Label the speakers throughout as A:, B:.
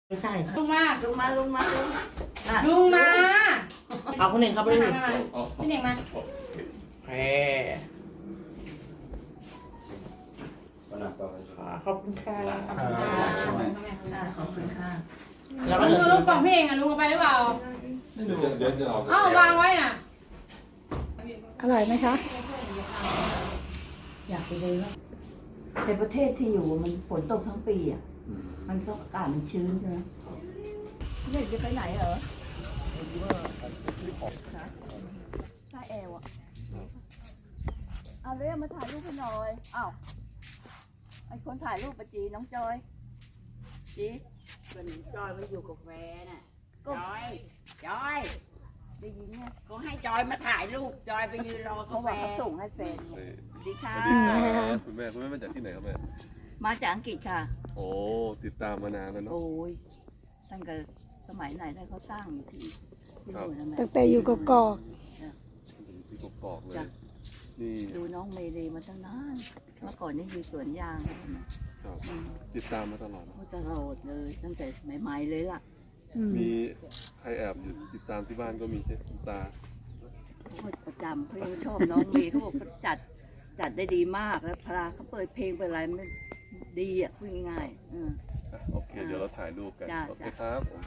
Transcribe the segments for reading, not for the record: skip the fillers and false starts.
A: ใช่
B: ลุงมา
A: เอาคนหนึ่งครับคนหนึ่ง
B: พี่เน่งมา
A: แพรขอบคุณค่ะ
C: ขอบคุณค่ะ
A: แล้วก็เหลือ
B: ลุงกล่องพี่เองอ่ะลุงเอาไปหรือเปล่า
D: ไม่รู้เดี๋ยวจะเอา
B: อ้าววางไว้น่ะ
E: อร่อยไหมคะ
C: อยากไปเลยว่าในประเทศที่อยู่มันฝนตกทั้งปีอ่ะมันก็อากาศมันชื้นใช่ไหมเด็กจะไปไหนเหรอถ้าแอลอ่ะเอาเรียกมาถ่ายรูปให้หน่อยอ้าวไอคนถ่ายรูปปะจีน้องจอยจี
F: คนจอยมาอยู่กับแฟนน่ะ
C: ก็
F: จอย
C: ได้ยินเนี่ย
F: ก็ให้จอยมาถ่ายรูปจอยไปยืนรอ
C: เขา
F: กับ
C: บ
F: แฟ
C: อกเขา
F: น
C: ส่งให้แฟนไงสวัสดีค่ะ
D: คุณแม่มาจากที่ไหนครับแม่
C: มาจากอังกฤษค่ะ
D: โอ้ติดตามมานานแล้วเนาะ
C: โอ้ยตั้งแต่สมัยไหนได้เขาสร้างอยู่ที่นู่นนะแม่
E: ตั้งแต่อยู่กกอก
D: ที่กกอกเลยนี่
C: ดูน้องเมรีมาตั้งนานเมื่อก่อนนี่อยู่สวนยางนะครับ
D: ติดตามมาตลอด
C: เขาตลอดเลยตั้งแต่ใหม่ๆเลยล่ะ
D: มีใครแอบอยู่ติดตามที่บ้านก็มีใช่คุณตา
C: เขาประจำเขายังชอบน้องเมย์เขาบอกเขาจัดได้ดีมากแล้วพลาเขาเปิดเพลงเปิดอะไรมันดีอ่ะพูดง่ายๆ
D: โอเคเดี๋ยวเราถ่ายรูปกันโอเคครับผม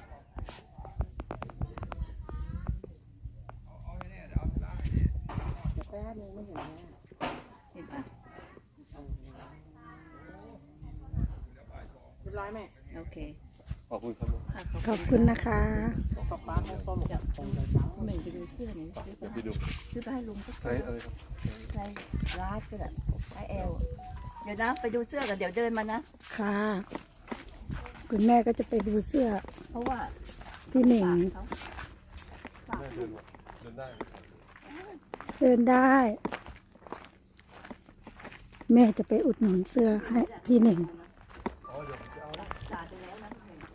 A: แป๊บนึงไม่เห็นแม่
C: เห็นปะ
A: เรียบร้อยแม่
C: โอเค
D: ขอบคุณครับ
E: ขอบคุณนะคะ
A: ป๊าป๊าให้ต้มกับตรงเลย
C: เหม่งไปดูเสื้อหน่อย
D: เดี๋ยวไปดู
C: ซื้อไปให้ลุงสัก
D: ไซส์อะไรครับ
C: ไซส์รัดก็ได้ไซส์แอลเดี๋ยวนะไปดูเสื้อกันเดี๋ยวเดินมานะ
E: ค่ะ คุณแม่ก็จะไปดูเสื้อ
C: เพราะว่า
E: พี่หนิง
C: ฝาก
D: แม่
C: เขา
D: เดินได้
E: เดินได้ แม่จะไปอุดหนุนเสื้อให้พี่หนิง
C: จ่ายไปแล้วนะ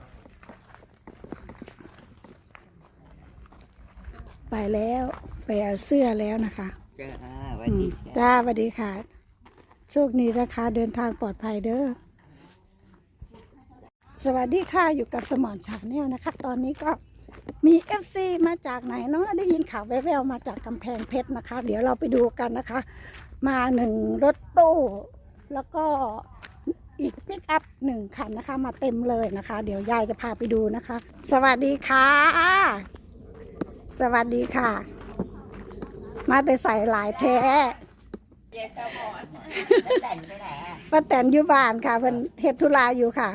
E: ไปแล้วไปเอาเสื้อแล้วนะคะ
F: จ้าสวัสดี
E: จ้าสวัสดีค่ะ โชคดีนะคะเดินทางปลอดภัยเด้อสวัสดีค่ะอยู่กับสมอนชาแนลนะคะ ตอนนี้ก็มี FC มาจากไหนเนาะได้ยินข่าวแว่วๆมาจากกำแพงเพชรนะคะ เดี๋ยวเราไปดูกันนะคะ มา1รถตู้แล้วก็อีกปิกอัพ1คันนะคะ มาเต็มเลยนะคะ เดี๋ยวยายจะพาไปดูนะคะ สวัสดีค่ะ สวัสดีค่ะ มาแต่ใส่หลายแท้
F: แต่งไปไหนอ่ะ
E: ป้าแตนอยู่บ้านค่ะเพิ่นเฮ็ดธุระอยู่ค่ะ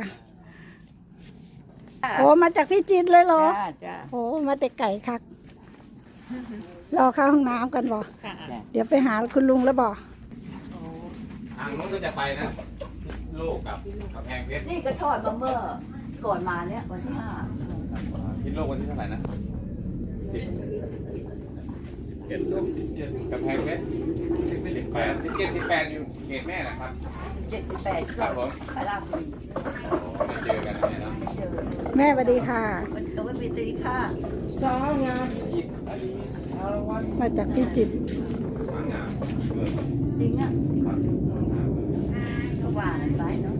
E: โอ้มาจากพี่จิตรเลยเหรอ
F: จ้า
E: โอ้มาแต่ไก่คักรอเข้าห้องน้ำกันบ่เดี๋ยวไปหาคุณลุงแล้วบ่
G: ทางนู้นก็จะไปนะลูกกับกำแพงเพชร
C: นี่ก็ทอดมาเมื่อก่อนมาเนี่ยวันที่
G: คิดโลกวันที่เท่าไหร่นะ17กำแพงเพชร18 17 18อยู่เขตแม่นะครับ
C: 5 78
G: ครับผม
C: ไปราชบุรี
G: ไม่เจอกันเนี่ยนะ
C: ไม่เจอ
E: แม่สวัสดีค่ะ
C: มันก็ไม่มีตีค่า
A: สาวงาม
E: มาจากพี่จิตร
G: สวยงาม
C: จริงอ่ะก็ว่ากันไปเนาะ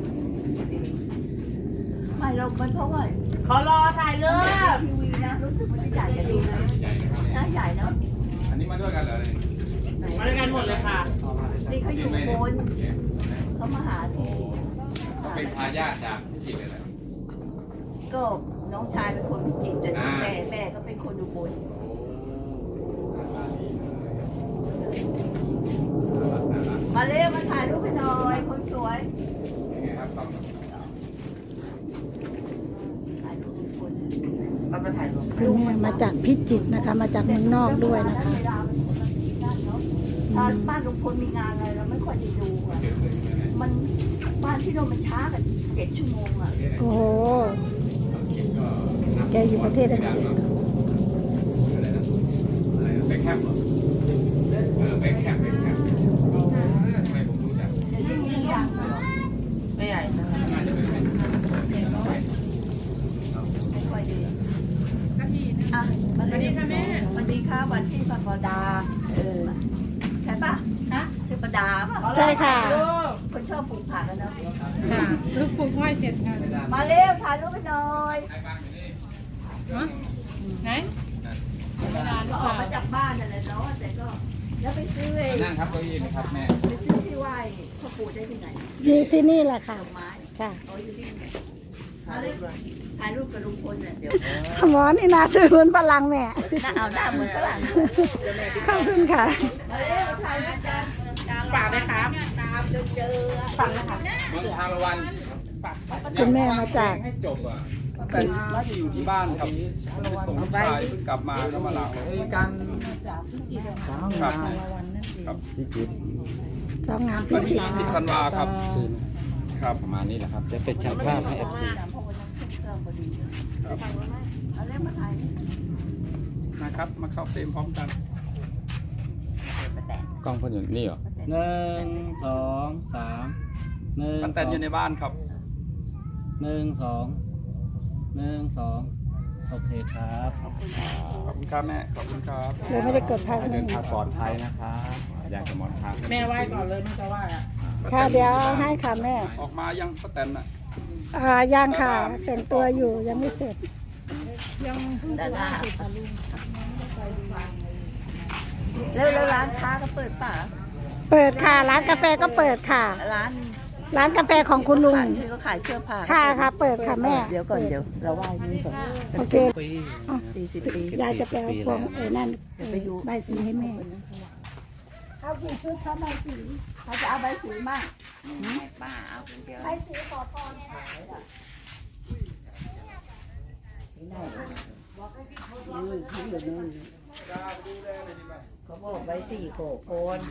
C: ไม่เรามันเพราะว่า
A: ขอรอถ่ายเรือ
C: ทีวีนะรู้สึกมันจะใหญ่กันดีนะ
G: ใหญ่นะครับเนี่ย
C: น่าใหญ่เนาะ
G: อันนี้มาด้วยกันเหรอเนี่ย
A: มาด้วยกันหมดเลยค่ะ
C: นี่เขาอยู่บนเขามาหาที่
G: เขาเป็นทายาทจากพิจิตรเลยนะ
C: ก็น้องชายเป็นคนพิจิตรแต่แม่ก็เป็นคนอุบล มาเร็วมาถ่ายรูปให้หน่อยคนสวย
G: นี่ไงครับต้อง
C: ถ่ายรูปทุกคน
A: เราไปถ่ายรูป
E: คุณแม่มาจากพิจิตรนะคะ มาจากเมืองนอกด้วยนะคะ
C: เวลามันคนละที่นั่นเนาะถ้าบ้านลุงพลมีงานอะไรเราไม่ค่อยได้ดูอ่ะมันบ้านที่เรามันช้ากัน7 ชั่วโมงอ่ะ
E: โอ้โห แกอยู่ประเทศอังกฤษ
G: อะไรนะแบงค์แคมป์เหรอแบงค์แคมป์ทำไมผมรู้จัก
C: เดี๋ยวนี้มีอย่างเหรอ
A: ไม่ใหญ่นะ
G: น่าจะเป็น
C: ไม่ค่อยดีอ่ะสวัสดีค่ะแม่สวัสดีค่ะวันที่ปดาใช่ปะชื่อปดาป่ะ
E: ใช่ค่ะ
C: คนชอบปลูกผักอะเนาะ
B: ค่ะลูกปลูกอ้อยเสร็จค่ะ
C: มาเร็วถ่ายรูปไปหน่อย
B: ฮะไหนเวลาลู
C: ก็
B: ก
C: ออก
B: สาว
C: มาจากบ้านนั่นแหละเนาะแต่ก็แล้วไปซื้อไอ้
G: นั่งครับเก้าอี้ไหมครับแม่
C: ไปซื้อที่ไหว้พ่อปู่ได้ที่ไหน
E: มีที่นี่แหละค่ะ
C: ดอกไม้
E: ค่ะ
C: เอาอยู่ที่ไหนมาเร็วถ่ายรูปกับลุงพลเนี่ยเดี๋ยว
E: สมอนี่นาซื้อหุ้นพลังแม่
C: หน้าเอาหน้าเหมือนฝรั่ง
E: ขอบคุณค่ะ
C: มาเร็วถ่ายรูปกัน
A: ฝากไหมครับ
C: ตามจนเจอ
A: ฝากนะคะ
G: เมืองชาละวัน
E: คุณแม่มาจาก
G: ให้จบอ่ะแต่น่าจะอยู่ที่บ้านครับไปส่งลูกชายเพิ่งกลับมาแล้วมาลาการครับครับ
E: สองงานพิ
G: วัน
E: จิ
G: ที่
E: ตร
G: 20 ธันวาครับครับประมาณนี้แหละครับ
H: จะเป็นช่างภาพให้ FC
C: เอาเร็วมาถ่าย
G: นะครับมาเข้าเฟรมพร้อมกัน
H: กล้องเพิ่นอยู่นี่เหรอ
I: 1 2 3 1
G: ป้าแตนอยู่ในบ้านครับ
I: 1 2 1 2โอเคครับ
G: ขอบคุณครับแม่ขอบคุณครับ
E: เลยไม่ได้กดพัก
H: เดินทางปลอดภัยนะครับอยากจะหมอนทาง
A: แม่ไหว้ก่อนเลยแม่จะไหว้อะ
E: ค่ะเดี๋ยวให้ค่ะแม่
G: ออกมายังป้าแตนน่ะ
E: ยังค่ะแต่งตัวอยู่ยังไม่เสร็จ
C: ดาราแล้วร้านค้าก็เปิดป่ะ
E: เปิดค่ะร้านกาแฟก็เปิดค่ะ ร้านกาแฟของคุณลุง
C: ที่เขาขายเสื้อผ้า
E: ค่ะค่ะเปิดค่ะแม่
C: เดี๋ยวก่อนเดี๋ยวเราไหว้นี่ก่อน
E: โอเค
I: ปี
C: 40 ปี
E: ยายจะไปเอาพวงนั่น
C: ไปอยู่
E: ใบสีให้แม่
C: เขากี่ชุดเขาใบสีเขาจะเอาใบสีมาก
F: ป้าเอาคนเดียว
E: ใบสีขอพรค่ะ
F: เขาบอกไว้4 โขกโคน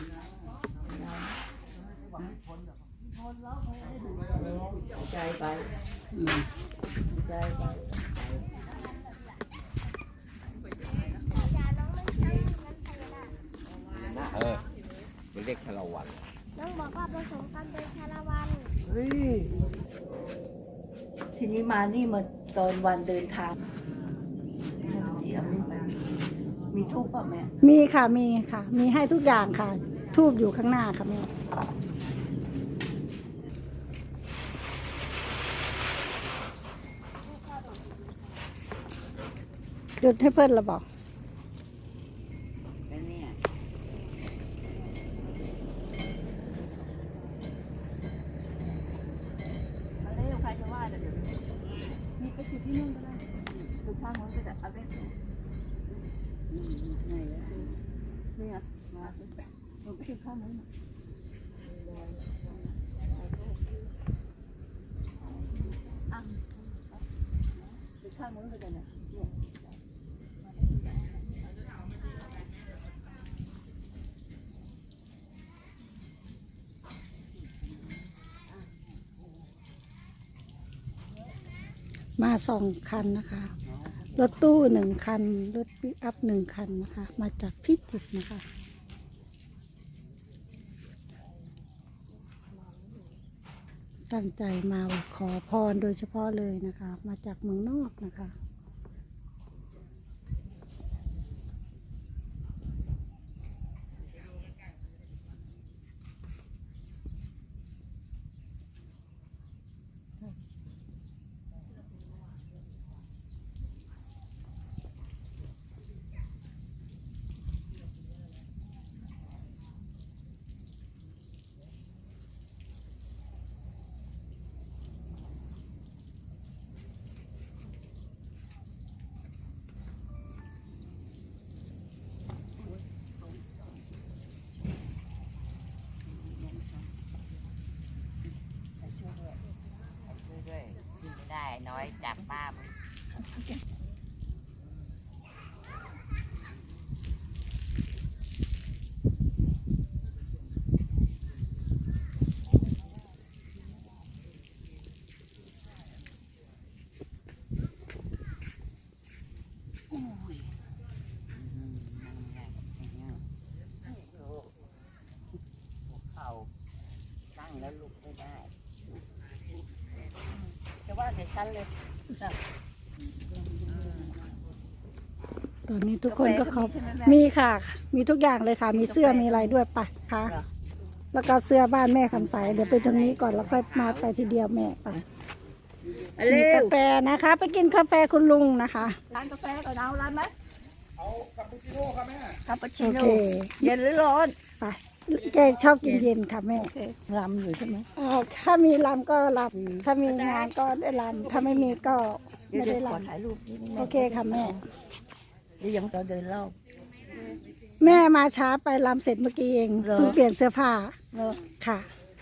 C: ใจไปใจไป
H: ไปเรียกชาละวัน
J: น้องบอกว่าผสมกันเป็นชาละวัน
C: ทีนี้มานี่มาตอนวันเดินทางที่เอานี่ไปมีทูบป่ะแม่
E: มีค่ะมีค่ะ มีให้ทุกอย่างค่ะ ทูบอยู่ข้างหน้าค่ะแม่จุดให้เพื่อนเราบอก
F: แล้วเนี่ย
C: มาเร็วใครจะว่าเดี๋ยวนี่ไปจุดที่นู่นก็ได้จุดข้างนู้นก็ได้เอาเล่นไหนอะนี่อ่ะมาดูไปจุดข้างนู้นจุดข้างนู้นก็ได้เนี่ย
E: มา2 คันนะคะ รถตู้1 คัน รถปิกอัพ1 คันนะคะ มาจากพิจิตรนะคะ ตั้งใจมาขอพรโดยเฉพาะเลยนะคะ มาจากเมืองนอกนะคะ
F: ด้วยกินไม่ได้น้อยจับป้ามึงเขาตั้งแล้วลุกไม่ได้
C: จะว่าเดี๋ยวฉันเลย
E: ตอนนี้ทุกคนก็เขามีค่ะ มีทุกอย่างเลยค่ะ มีเสื้อมีอะไรด้วยไปค่ะแล้วก็เสื้อบ้านแม่คำใสเดี๋ยวไปตรงนี้ก่อนแล้วค่อยมาไปทีเดียวแม่ไป
C: เร็
E: มีกาว แฟนะคะ ไปกินกาแฟคุณลุงนะคะ
C: ร้านกาแฟก่อนเอาร้านไหม
G: เอาคาปูชิโน่ครับแม่
C: คาปูชิ
E: โอ
C: โน่
E: เค
C: เย็นหรือร้อน
E: ไปแกชอบกินเย็นค่ะแม่
C: รำอยู่ใช่ไหม
E: ถ้ามีลำก็ลำถ้ามีงานก็ได้ลำถ้าไม่มีก็
C: เดี๋ย
E: ไม่
C: ว
E: ได้
C: ขอ
E: ลำ
C: ถ่ายรูปนิดนึง
E: โอเคค่ะแม่
C: เดี๋ยวยังจะเดินรอบ
E: แม่มาช้าไปลำเสร็จเมื่อกี้เอง
C: เหรอ
E: เพิ่งเปลี่ยนเสื้อผ้า
C: เนาะ
E: ค่ะ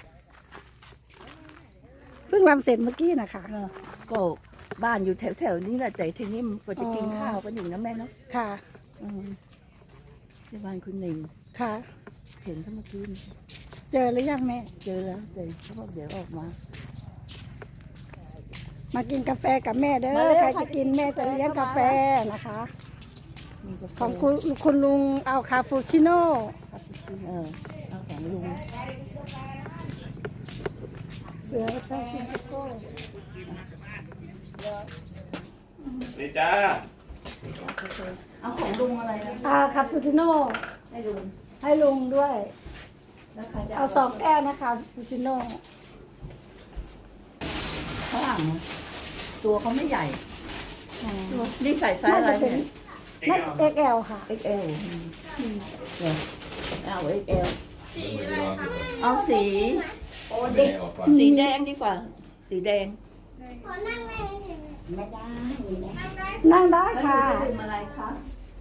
E: เพิ่งลำเสร็จเมื่อกี้นะคะ
C: เนาะก็บ้านอยู่แถวๆนี้แหละแต่ทีนี้มันก็จะกิน
E: อ๋อ
C: ข้าวกันอยู่นะแม่เนาะ
E: ค่ะ
C: อืมที่บ้านคุณหนิง
E: ค่ะ
C: เห็นเขาเมื่อกี้
E: เจอหรือยังแม่
C: เจอแล้วเดี๋ยวเขาบอกเดี๋ยวออกมา
E: มากินกาแฟกับแม่เด้
C: มา
E: อ
C: เร็ว
E: ใคร
C: ค่ะ
E: จะกินแม่จะเลี้ยงกาแฟนะคะ
C: มีกาแฟ
E: ของคุณลุงเอาคาปูชิโน่
C: คาปูชิโน่เอาของลุง
E: เสือชอบกินโกโก้
H: นี่จ้า
C: เอาของลุงอะไรนะ
E: คาปูชิโน่
C: ให้ลุง
E: ให้ลุงด้วย
C: แล้วใครจะ
E: เอา2 แก้วนะคะคาปูชิโน่
C: ข้างหลังนะตัวเขาไม่ใหญ่
E: อ๋อ
C: ตัวนี่ใส่ไซส์
E: น่า
C: อะไร
E: จะเป็น
C: เนี่ย
E: นั่น XL ค่ะ
C: XL เดี๋ยวเอา XL เอาสีสีแดงดีกว่า สีแดง
J: ขอนั่งได้ไหมถึง
C: ไม่ได้
E: นั่งได้ค่ะ
C: แล้วดื่มอะไรคะ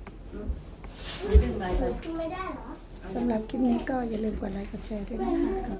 C: ดื่มอะไรคะ
J: ไม่ได้เหรอ
E: สำหรับคลิปนี้ก็อย่าลืมกดไลค์กดแชร์ด้วยนะคะ